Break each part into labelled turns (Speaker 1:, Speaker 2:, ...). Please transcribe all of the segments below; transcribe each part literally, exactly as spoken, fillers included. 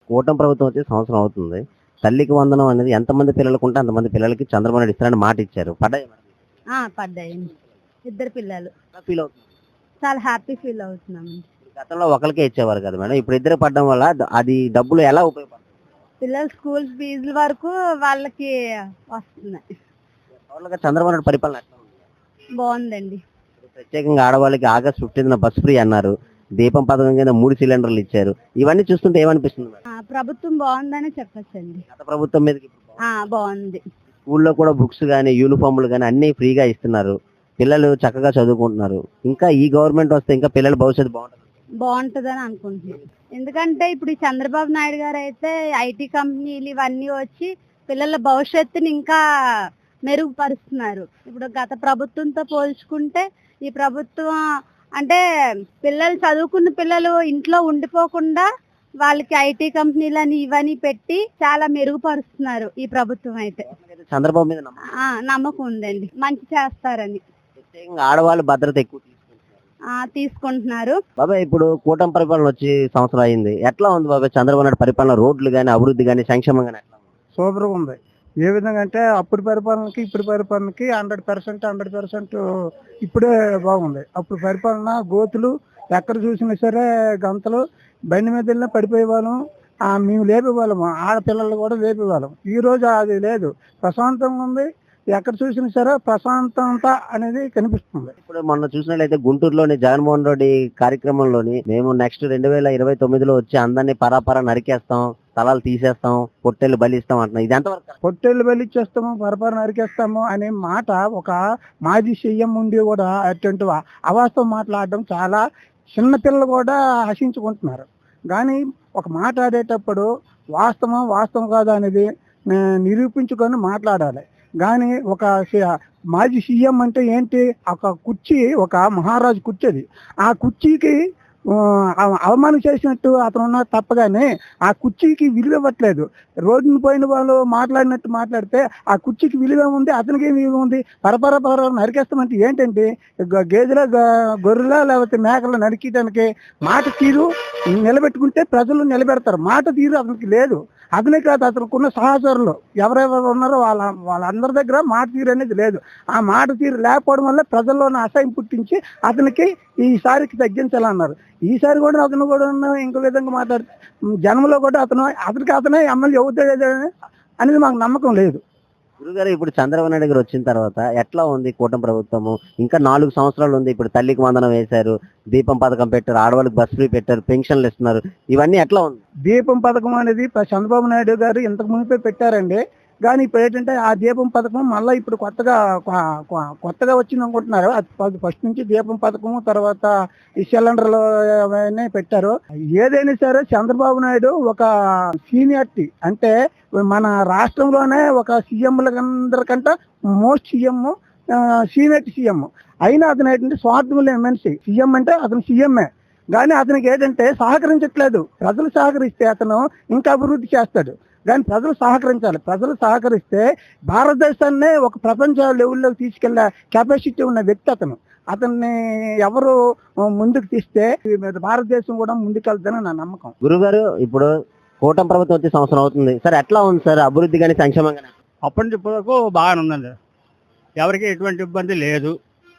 Speaker 1: కూటమి ప్రభుత్వం వచ్చి సంవత్సరం అవుతుంది. తల్లికి వందనం అనేది ఎంతమంది పిల్లలకు ఉంటే అంతమంది పిల్లలకి చంద్రబాబు నాయుడు ఇస్తారని మాట ఇచ్చారు. పడ్డాయి
Speaker 2: ఆ! పడ్డాయండి. ఇద్దరు పిల్లలు.
Speaker 1: ఫీల్ అవుతుంది.
Speaker 2: చాలా హ్యాపీ ఫీల్ అవుతున్నాము.
Speaker 1: గతంలో ఒకరికే ఇచ్చేవారు కదా మేడం. ఇప్పుడు ఇద్దరు పడడం వల్ల ద- అది డబ్బులు ఎలా ఉపయోగపడుతుంది?
Speaker 2: పిల్లల స్కూల్ ఫీజుల వరకు వాళ్ళకి వస్తున్నాయి.
Speaker 1: టోటల్‌గా చంద్రబాబు నాయుడు పరిపాలన ఎట్లా ఉంది?
Speaker 2: బాగుందండి.
Speaker 1: ఇప్పుడు ప్రత్యేకంగా ఆడవాళ్ళకి ఆగస్టు పదిహేనున బస్ ఫ్రీ అన్నారు. దీపం పథకం కింద మూడు సిలిండర్లు ఇచ్చారు. ఇవన్నీ చూస్తుంటే ఏమనిపిస్తుంది మేడం?
Speaker 2: ఆ, ప్రభుత్వం బాగుందని చెప్పొచ్చండి.
Speaker 1: గత ప్రభుత్వం మీదకి ఇప్పుడు బాగుంది.
Speaker 2: ఆ, బాగుంది.
Speaker 1: స్కూల్లో కూడా బుక్స్ కానీ యూనిఫామ్లు కానీ అన్నీ ఫ్రీగా ఇస్తున్నారు. పిల్లలు చక్కగా చదువుకుంటున్నారు. ఇంకా ఈ గవర్నమెంట్ వస్తే ఇంకా పిల్లల భవిష్యత్తు బాగుంటుంది.
Speaker 2: బాగుంటుందని అనుకుంటున్నాను. ఎందుకంటే ఇప్పుడు ఈ చంద్రబాబు నాయుడు గారు అయితే ఐటీ కంపెనీలు ఇవన్నీ వచ్చి పిల్లల భవిష్యత్తుని ఇంకా మెరుగుపరుస్తున్నారు. ఇప్పుడు గత ప్రభుత్వంతో పోల్చుకుంటే ఈ ప్రభుత్వం అంటే పిల్లలు చదువుకున్న పిల్లలు ఇంట్లో ఉండిపోకుండా వాళ్ళకి ఐటీ కంపెనీలని ఇవన్నీ పెట్టి చాలా మెరుగుపరుస్తున్నారు ఈ ప్రభుత్వం అయితే.
Speaker 1: చంద్రబాబు మీద నమ్మకం.
Speaker 2: ఆ, నమ్మకం ఉందండి, మంచి చేస్తారని.
Speaker 1: ప్రత్యేకంగా ఆడవాళ్ళు భద్రత ఎక్కువ తీసుకుంటున్నారు.
Speaker 2: ఆ, తీసుకుంటున్నారు.
Speaker 1: బాబాయ్ ఇప్పుడు కూటమి పరిపాలన వచ్చి సంవత్సరం అయింది. ఎట్లా ఉంది బాబాయ్ చంద్రబాబు నాయుడు పరిపాలన? రోడ్లు కానీ అభివృద్ధి కానీ సంక్షేమం కానీ ఎట్లా ఉంది?
Speaker 3: సూపర్గా ఉంది. ఏ విధంగా అంటే అప్పుడు పరిపాలనకి ఇప్పుడు పరిపాలనకి హండ్రెడ్ పర్సెంట్ హండ్రెడ్ పర్సెంట్ ఇప్పుడే బాగుంది. అప్పుడు పరిపాలన గోతులు ఎక్కడ చూసినా సరే గంతలు, బండి మీద వెళ్ళినా పడిపోయేవాళ్ళం. ఆ, మేము లేపేవాళ్ళము, ఆడపిల్లలు కూడా లేపేవాళ్ళం. ఈ రోజు అది లేదు, ప్రశాంతంగా ఉంది. ఎక్కడ చూసినా సరే ప్రశాంతత అనేది కనిపిస్తుంది.
Speaker 1: ఇప్పుడు మొన్న చూసినట్లయితే గుంటూరులోని జగన్మోహన్ రెడ్డి కార్యక్రమంలోని మేము నెక్స్ట్ రెండు వేల ఇరవై తొమ్మిదిలో వచ్చి అందరినీ పరాపరా నరికేస్తాం, స్థలాలు తీసేస్తాం, పొట్టెళ్ళు బలిస్తాం అంటున్నాం. ఇది ఎంతవరకు కరెక్ట్?
Speaker 3: పొట్టేళ్ళు బలిచ్చేస్తాము, పరపర నరికేస్తాము అనే మాట ఒక మాజీ సీఎం ఉండి కూడా అటువంటి అవాస్తవం మాట్లాడడం చాలా చిన్న పిల్లలు కూడా హసించుకుంటున్నారు. కానీ ఒక మాట్లాడేటప్పుడు వాస్తవం వాస్తవం కాదు అనేది ఆ, నిరూపించుకొని మాట్లాడాలి. కానీ ఒక సి- మాజీ సీఎం అంటే ఏంటి? ఒక కుర్చీ, ఒక మహారాజు కుర్చీ అది. ఆ కుర్చీకి ఆ, అవ- అవమానం చేసినట్టు అతను ఉన్న తప్పగానే ఆ కుర్చీకి విలువ ఇవ్వట్లేదు. రోడ్డును పోయిన వాళ్ళు మాట్లాడినట్టు మాట్లాడితే ఆ కుర్చీకి విలువ ఉంది, అతనికి ఏం విలువ ఉంది? పరపర పర నరికేస్తామంటే ఏంటంటే గ- గేదెల గ- గొర్రెల లేకపోతే మేకలు నరికేయడానికి మాట తీరు నిలబెట్టుకుంటే ప్రజలు నిలబెడతారు. మాట తీరు అతనికి లేదు. అతనే కాదు, అతనుకున్న సహచరులు ఎవరెవరు ఉన్నారో వాళ్ళ వాళ్ళందరి దగ్గర మాట తీరు అనేది లేదు. ఆ మాట తీరు లేకపోవడం వల్ల ప్రజల్లోని అసహ్యం పుట్టించి అతనికి ఈసారికి తగ్గించాలన్నారు. ఈసారి కూడా అతను కూడా ఇంకో విధంగా మాట్లాడితే జనంలో కూడా అతను అతనికి అతనే ఎమ్మెల్యే అవుతాడు అనేది మాకు నమ్మకం లేదు.
Speaker 1: గురుగారు ఇప్పుడు చంద్రబాబు నాయుడు గారు వచ్చిన తర్వాత ఎట్లా ఉంది కూటమి ప్రభుత్వము? ఇంకా నాలుగు సంవత్సరాలు ఉంది. ఇప్పుడు తల్లికి వందనం వేశారు, దీపం పథకం పెట్టారు, ఆడవాళ్ళకి బస్ ఫ్రీ పెట్టారు, పెన్షన్లు ఇస్తున్నారు. ఇవన్నీ ఎట్లా ఉంది?
Speaker 3: దీపం పథకం అనేది ప- చంద్రబాబు నాయుడు గారు ఇంతకు మునిపే పెట్టారండి. కానీ ఇప్పుడు ఏంటంటే ఆ దీపం పథకం మళ్ళీ ఇప్పుడు కొత్తగా కొ- కొ- కొత్తగా వచ్చింది అనుకుంటున్నారు. అది ఫస్ట్ నుంచి దీపం పథకం, తర్వాత ఈ సిలిండర్లు అవన్నీ పెట్టారు. ఏదైనా సరే చంద్రబాబు నాయుడు ఒక సీనియారిటీ అంటే మన రాష్ట్రంలోనే ఒక సీఎంలందరికంటే మోస్ట్ సీఎం, సీనియర్ సీఎం. అయినా అతను ఏంటంటే స్వార్థం లేని మనిషి. సీఎం అంటే అతను సీఎంఏ, కానీ అతనికి ఏంటంటే సహకరించట్లేదు. ప్రజలు సహకరిస్తే అతను ఇంకా అభివృద్ధి చేస్తాడు. కానీ ప్రజలు సహకరించాలి. ప్రజలు సహకరిస్తే భారతదేశాన్నే ఒక ప్రపంచ లెవెల్లోకి తీసుకెళ్లే కెపాసిటీ ఉన్న వ్యక్తి అతను. అతన్ని ఎవరు ముందుకు తీస్తే ఈ భారతదేశం కూడా ముందుకెళ్తుందని నా నమ్మకం.
Speaker 1: గురుగారు ఇప్పుడు కూటమి ప్రభుత్వం వచ్చి సంవత్సరం అవుతుంది సార్, ఎట్లా ఉంది సార్ అభివృద్ధి కానీ సంక్షేమం కానీ?
Speaker 4: అప్పటి నుంచి ఇప్పటి వరకు బాగానే ఉందండి. ఎవరికి ఎటువంటి ఇబ్బంది లేదు.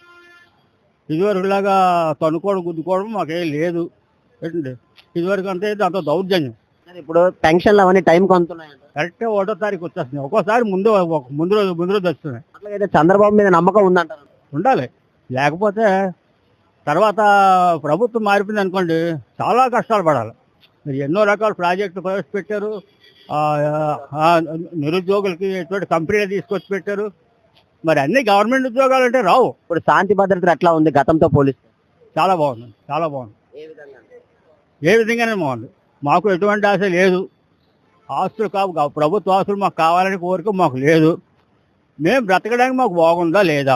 Speaker 4: ఇదివరకులాగా తనుకోవడం గుద్దుకోవడం మాకేం లేదు. ఏంటండి ఇదివరకు అంతే దాంతో దౌర్జన్యం.
Speaker 1: సార్ ఇప్పుడు పెన్షన్లు అవన్నీ టైంకి అందుతున్నాయి.
Speaker 4: కరెక్ట్గా ఒకటో తారీఖు వచ్చేస్తున్నాయి. ఒక్కోసారి ముందు ఒక ముందు రోజు ముందు రోజు వస్తున్నాయి.
Speaker 1: అట్లాగైతే చంద్రబాబు మీద నమ్మకం ఉందంటారు.
Speaker 4: ఉండాలి. లేకపోతే తర్వాత ప్రభుత్వం మారిపోయింది అనుకోండి, చాలా కష్టాలు పడాలి. మీరు ఎన్నో రకాల ప్రాజెక్టులు ప్రవేశపెట్టారు. ఆ, ఆ, నిరుద్యోగులకి ఎటువంటి కంపెనీలు తీసుకొచ్చి పెట్టారు. మరి అన్ని గవర్నమెంట్ ఉద్యోగాలు అంటే రావు.
Speaker 1: ఇప్పుడు శాంతి భద్రతలు ఎట్లా ఉంది గతంతో పోలిస్తే?
Speaker 4: చాలా బాగుంది, చాలా బాగుంది.
Speaker 1: ఏ విధంగా?
Speaker 4: ఏ విధంగానే బాగుంది. మాకు ఎటువంటి ఆశ లేదు. ఆస్తులు కావు కావు ప్రభుత్వ ఆస్తులు మాకు కావాలని కోరిక మాకు లేదు. మేము బ్రతకడానికి మాకు బాగుందా లేదా?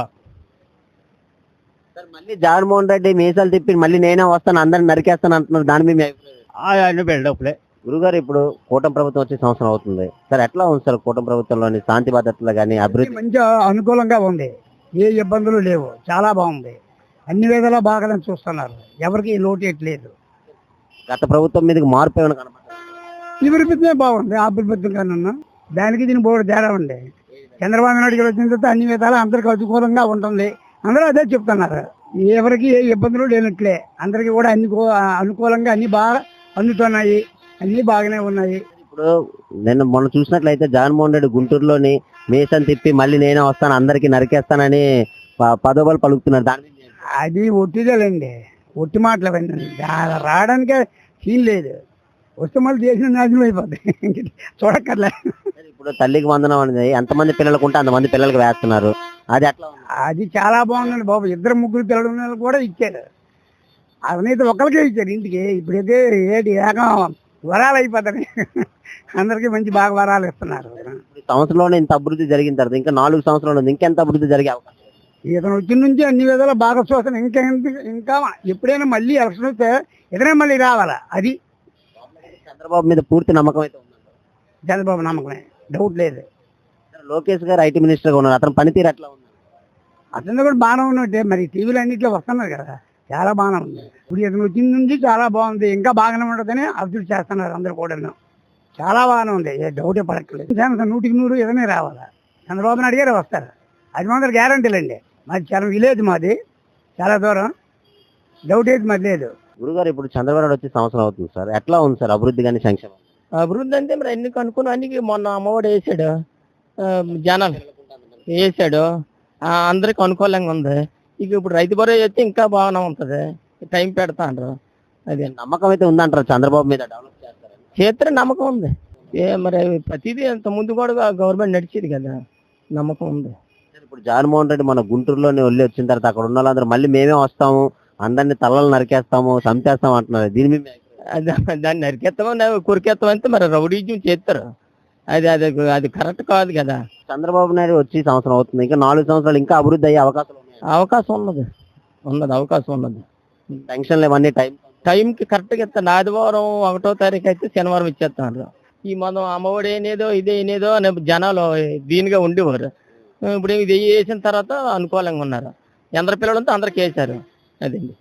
Speaker 1: సార్ మళ్ళీ జగన్మోహన్ రెడ్డి మీసాలు తిప్పి మళ్ళీ నేనే వస్తాను అందరిని నరికేస్తాను అంటున్నారు. దాని మీద మీ అభిప్రాయం?
Speaker 4: అన్ని బిల్డప్లే.
Speaker 1: గురుగారు ఇప్పుడు కూటమి ప్రభుత్వం వచ్చే సంవత్సరం అవుతుంది సార్, ఎట్లా ఉంది సార్ కూటమి ప్రభుత్వంలోని శాంతి భద్రతలు కానీ అభివృద్ధి?
Speaker 3: మంచి అనుకూలంగా ఉంది. ఏ ఇబ్బందులు లేవు. చాలా బాగుంది. అన్ని విధాలా బాగానే చూస్తున్నారు. ఎవరికి లోటు లేదు.
Speaker 1: గత ప్రభుత్వం మీదకి మార్పు ఏమైనా కనపడుతుంది?
Speaker 3: ఈ ప్రభుత్వమే బాగుంది ఆ ప్రభుత్వం కన్నా. దానికి దీని బోర్డు తేడా ఉంది. చంద్రబాబు నాయుడు గారు వచ్చిన తర్వాత అన్ని విధాలు అందరికి అనుకూలంగా ఉంటుంది. అందరూ అదే చెప్తున్నారు. ఎవరికి ఏ ఇబ్బందులు లేనట్లే, అందరికి కూడా అన్ని కూ- అనుకూలంగా అన్ని బాగా అందుతున్నాయి, అన్ని బాగానే ఉన్నాయి.
Speaker 1: ఇప్పుడు నేను మొన్న చూసినట్లయితే జగన్మోహన్ రెడ్డి గుంటూరులోని మీసం తిప్పి మళ్ళీ నేనే వస్తాను అందరికి నరికేస్తానని ప- పదోబలు పలుకుతున్నారు. దాని మీద ఏం-
Speaker 3: అది ఒట్టిదేలేండి, ఒట్టి మాటలు అవన్నీ. దా- రావడానికే సీన్ లేదు. వస్తే మళ్ళీ దేశం నాశనం అయిపోద్ది. చూడక్కర్లే.
Speaker 1: ఇప్పుడు తల్లికి వందనం అనేది ఎంతమంది పిల్లలకు ఉంటే అంతమంది పిల్లలకు వేస్తున్నారు. అది ఎట్లా ఉంది?
Speaker 3: అది చాలా బాగుందండి బాబు. ఇద్దరు ముగ్గురు పిల్లలు ఉన్న వాళ్ళకి కూడా ఇచ్చారు. అవనైతే ఒకరికే ఇచ్చారు ఇంటికి. ఇప్పుడైతే ఏటి ఏకం వరాలు అయిపోతాయి. అందరికీ మంచి బాగా వరాలు ఇస్తున్నారు.
Speaker 1: ఇప్పుడు ఈ సంవత్సరంలోనే ఇంత అభివృద్ధి జరిగిన తర్వాత ఇంకా నాలుగు సంవత్సరాలు ఉంది, ఇంకెంత అభివృద్ధి జరిగే అవకాశం ఉంది?
Speaker 3: ఇతను వచ్చిన నుంచి అన్ని విధాల బాగా చూస్తాను. ఇంకా ఎంత- ఇంకా ఎప్పుడైనా మళ్ళీ ఎలక్షన్ వస్తే ఇతనే మళ్ళీ రావాలా. అది
Speaker 1: చంద్రబాబు మీద పూర్తి నమ్మకం అయితే ఉంది.
Speaker 3: చంద్రబాబు నమ్మకమే, డౌట్ లేదు.
Speaker 1: లోకేష్ గారు ఐటీ మినిస్టర్ గా ఉన్నారు, అతని పనితీరు ఎట్లా ఉంది?
Speaker 3: అతను కూడా బాగానే ఉన్నట్టే. మరి టీవీలు అన్నింటిలో వస్తున్నారు కదా, చాలా బాగానే ఉంది. ఇప్పుడు ఇతను వచ్చిన నుంచి చాలా బాగుంది, ఇంకా బాగానే ఉంటుందని అభివృద్ధి చేస్తున్నారు అందరు కూడా. చాలా బాగానే ఉంది, ఏ డౌటే పడక్కలేదు. జనసేన నూటికి నూరు ఇతనే రావాలా. చంద్రబాబు నాయుడు గారే వస్తారు, అది మాత్రం గ్యారంటీలండి. మాది చాలా విలేజ్, మాది చాలా దూరం, డౌట్ అయితే మాది లేదు.
Speaker 1: గురుగారు ఇప్పుడు చంద్రబాబు నాయుడు వచ్చి సంవత్సరం అవుతుంది సార్, ఎట్లా ఉంది సార్ అభివృద్ధి కానీ సంక్షేమం?
Speaker 5: అభివృద్ధి అంటే మరి అన్ని కనుక్కుని అన్ని మొన్న అమ్మఒడి వేసాడు, ఆ, జనాలు వేసాడు, ఆ, అందరికి అనుకూలంగా ఉంది. ఇక ఇప్పుడు రైతు భరోసా చేస్తే ఇంకా బాగానే ఉంటుంది, టైం పెడతాండ్రు. అది
Speaker 1: నమ్మకం అయితే ఉందంటారు చంద్రబాబు మీద డెవలప్ చేస్తారని?
Speaker 5: చేస్తే నమ్మకం ఉంది. ఏ మరి ప్రతిదీ అంత ముందు కూడా గవర్నమెంట్ నడిచేది కదా, నమ్మకం ఉంది.
Speaker 1: సార్, ఇప్పుడు జగన్మోహన్ రెడ్డి మన గుంటూరులోనే వెళ్ళి వచ్చిన తర్వాత అక్కడ ఉన్న వాళ్ళందరూ మళ్ళీ మేమే వస్తాము, అందరినీ తలలు నరికేస్తాము, చంపేస్తాం అంటున్నారు. దీని మీద మీ అభిప్రాయం?
Speaker 5: అది దాన్ని నరికెత్తామని కొరికెత్తామంటే మరి రౌడీజం చేస్తారు. అది అది అది కరెక్ట్ కాదు కదా.
Speaker 1: చంద్రబాబు నాయుడు వచ్చి సంవత్సరం అవుతుంది, ఇంకా నాలుగు సంవత్సరాలు ఇంకా అభివృద్ధి అయ్యే అవకాశాలు ఉన్నాయి.
Speaker 5: అవకాశం ఉన్నది, ఉన్నది అవకాశం ఉన్నది.
Speaker 1: పెన్షన్లు ఇవన్నీ టైం
Speaker 5: టైంకి కరెక్ట్గా ఇస్తాను. ఆదివారం ఒకటో తారీఖు అయితే శనివారం ఇచ్చేస్తాను. ఈ మనం అమ్మఒడి ఏనేదో ఇదే ఏనేదో అనే జనాలు దీనిగా ఉండేవారు. ఇప్పుడు ఇది వేసిన తర్వాత అనుకూలంగా ఉన్నారు. ఎందరు పిల్లలంతా అందరికి వేశారు. అదండి.